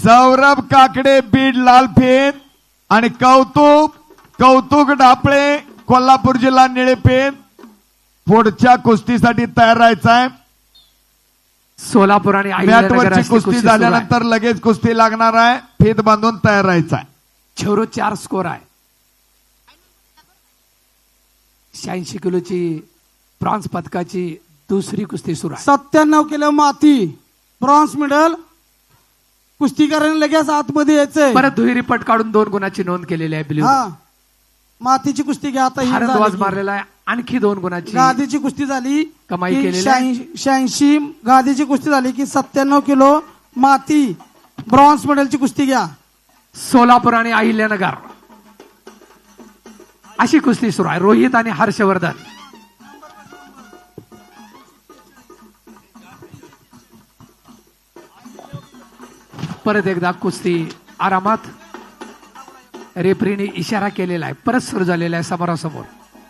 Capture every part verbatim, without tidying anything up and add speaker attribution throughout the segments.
Speaker 1: सौरभ काकडे बीड लालपेन आणि कौतुक कौतुक डापळे कोल्हापूर जिल्हा निळेपेन पुढच्या कुस्तीसाठी तयार राहायचं आहे।
Speaker 2: सोलापूर आणि
Speaker 1: मॅटवरची कुस्ती झाल्यानंतर लगेच कुस्ती लागणार आहे। फीत बांधून तयार राहायचं आहे।
Speaker 2: छेरो चार स्कोर आहे। शहाऐंशी किलोची ब्रॉन्झ पदकाची दुसरी कुस्ती सुरू आहे।
Speaker 3: सत्त्याण्णव किलो माती ब्रॉन्झ मेडल कुस्तीकरांनी लगेच आतमध्ये यायचंय।
Speaker 2: परत दुहेरी पट काढून दोन गुणाची नोंद केलेली आहे। ब्ल्यू
Speaker 3: हा मातीची कुस्ती घ्या आता।
Speaker 2: हरंदवाज मारलेला आहे। आणखी दोन गुणाची
Speaker 3: गादीची कुस्ती झाली
Speaker 2: कमाई केलेली आहे।
Speaker 3: शहाऐंशी गादीची कुस्ती झाली की सत्त्याण्णव किलो माती ब्रॉन्झ मेडलची कुस्ती घ्या।
Speaker 2: सोलापूर आणि अहिल्यानगर अशी कुस्ती सुरू आहे। रोहित आणि हर्षवर्धन परत एकदा कुस्ती आरामात। रेफरीने इशारा केलेला आहे। परत सुरू झालेला आहे समोरासमोर।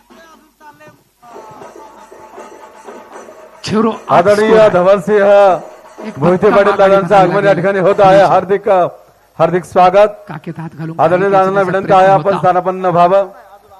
Speaker 2: छेरो
Speaker 4: आदरणीय धवलसिंह मोहिते पाटील दादांचं आगमन या ठिकाणी होत आहे। हार्दिक हार्दिक स्वागत।
Speaker 2: काकेत हात घालून
Speaker 4: आदरणीय दादांना विनंती आहे आपण स्थानापन्न व्हावं।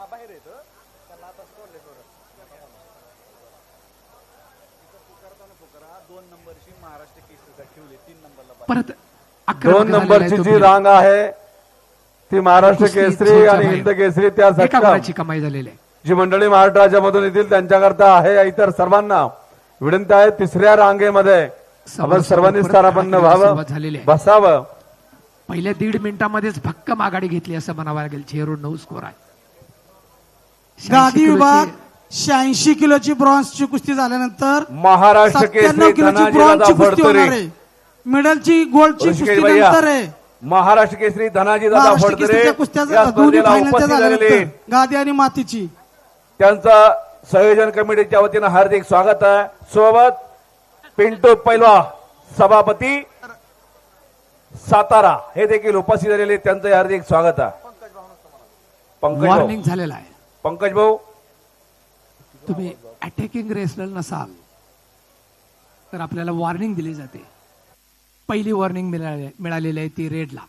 Speaker 2: परत
Speaker 4: दोन नंबरची जी रांग आहे ती महाराष्ट्र केसरी आणि हिंद केसरी त्या
Speaker 2: सक्षम कमाई झालेली आहे।
Speaker 4: जी मंडळी महाराष्ट्र राज्यामधून येतील त्यांच्याकरता आहे। इतर सर्वांना विनंती आहे तिसऱ्या रांगेमध्ये आपण सर्वांनी स्थानापन्न व्हावं बसावं।
Speaker 2: पहिल्या दीड मिनिटांमध्येच भक्कम आघाडी घेतली असं म्हणावं लागेल। झिरो नऊ स्कोर आहे।
Speaker 3: गादी विभाग शहाऐंशी किलोची ब्रॉन्झची कुस्ती झाल्यानंतर
Speaker 4: महाराष्ट्र केसरी
Speaker 3: किलोची ब्रॉन्झची कुस्ती होणार आहे। मेडलची गोल्डची कुस्ती नंतर आहे।
Speaker 4: महाराष्ट्र केसरी धनाजी दादा फडतरे
Speaker 3: दोन्ही फायनलच्या झाल्यानंतर गादी आणि मातीची
Speaker 4: त्यांचं संयोजन कमिटीच्या वतीनं हार्दिक स्वागत आहे। सोबत पिंटू पैलवा सभापती सातारा हे देखील उपस्थित झालेले त्यांचं हार्दिक स्वागत आहे। पंकज
Speaker 2: वॉर्निंग झालेला आहे।
Speaker 4: पंकज भाऊ
Speaker 2: तुम्ही अटॅकिंग रेसलर नसाल तर आपल्याला वॉर्निंग दिली जाते। पहिली वॉर्निंग मिळालेली आहे ती रेडला।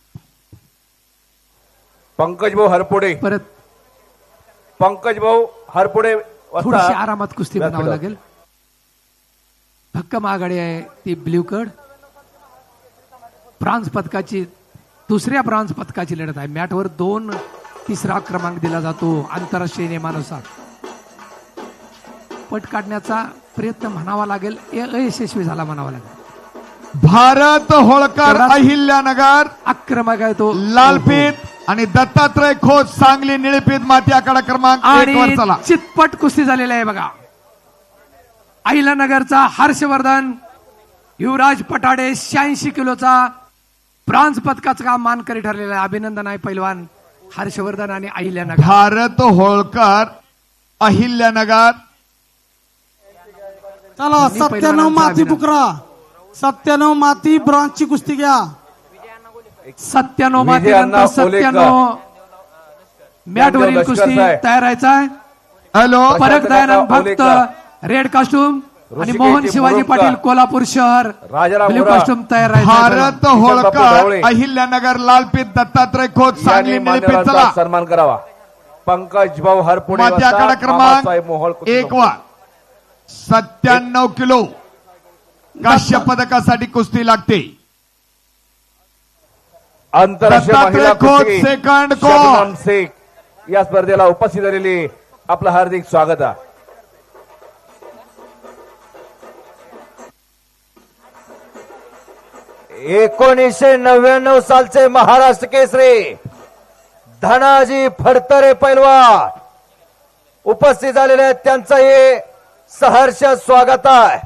Speaker 4: पंकज भाऊ हरपुडे
Speaker 2: परत
Speaker 4: पंकज भाऊ हरपुडे
Speaker 2: थोडीशी आरामात कुस्ती बनावं लागेल। भक्कम आघाडी आहे ती ब्ल्यू कड। ब्रॉन्झ पदकाची दुसऱ्या ब्रॉन्झ पदकाची लढत आहे। मॅटवर दोन तिसरा क्रमांक दिला जातो आंतरराष्ट्रीय नियमानुसार। पट काढण्याचा प्रयत्न म्हणावा लागेल अयशस्वी झाला म्हणावा लागेल।
Speaker 1: भारत होळकर अहिल्यानगर
Speaker 2: आक्रमक आहे तो
Speaker 1: लालपेत आणि दत्तात्रय खोत सांगली निळेपेत माती आकडा क्रमांक एक वर चला।
Speaker 2: चितपट कुस्ती झालेली आहे बघा। अहिल्यानगरचा हर्षवर्धन युवराज पटाडे शहाऐंशी किलोचा ब्रॉन्झ पदकाचा मानकरी ठरलेला आहे। अभिनंदन आहे पैलवान हर्षवर्धन आणि अहिल्यानगर।
Speaker 1: भारत होळकर अहिल्यानगर
Speaker 3: चला सत्त्याण्णव माती बुकरा सत्त्याण्णव माती ब्रॉन्झची कुस्ती घ्या।
Speaker 2: सत्त्याण्णव माती नंतर सत्त्याण्णव मॅटवरील कुस्ती तयार राहायचा आहे।
Speaker 1: हॅलो
Speaker 2: परत दयानंद भक्त रेड कॉस्ट्युम आणि मोहन शिवाजी पाटील कोल्हापूर शहर ब्ल्यू कॉस्ट्युम तयार राहायचा।
Speaker 1: भारत होळकर अहिल्यानगर लालपेत दत्तात्रय खोत सांगली निळेपेत चला।
Speaker 4: सन्मान करावा। पंकज भाऊ हरपुडे
Speaker 1: माती आकडा क्रमांक एक वर सत्त्याण्णव किलो काश्य पदकासाठी कुस्ती लागते।
Speaker 4: आंतरराष्ट्रीय महिला कुस्ती
Speaker 1: सेकंड
Speaker 4: शबनम शेख या स्पर्धेला उपस्थित झालेली आपलं हार्दिक स्वागत आहे।
Speaker 5: एकोणीसशे नव्याण्णव सालचे महाराष्ट्र केसरी धनाजी फडतरे पैलवान उपस्थित झालेले आहेत। त्यांचं हे सहर्ष स्वागत आहे।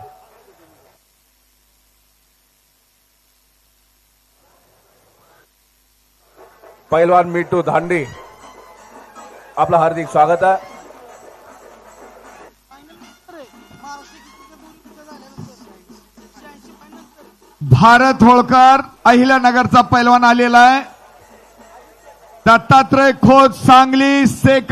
Speaker 4: पैलवान मिठू धांडे आपलं हार्दिक स्वागत आहे।
Speaker 1: भारत होळकर अहिल्यानगरचा पैलवान आलेला आहे। दत्तात्रय खोत सांगली सेकंड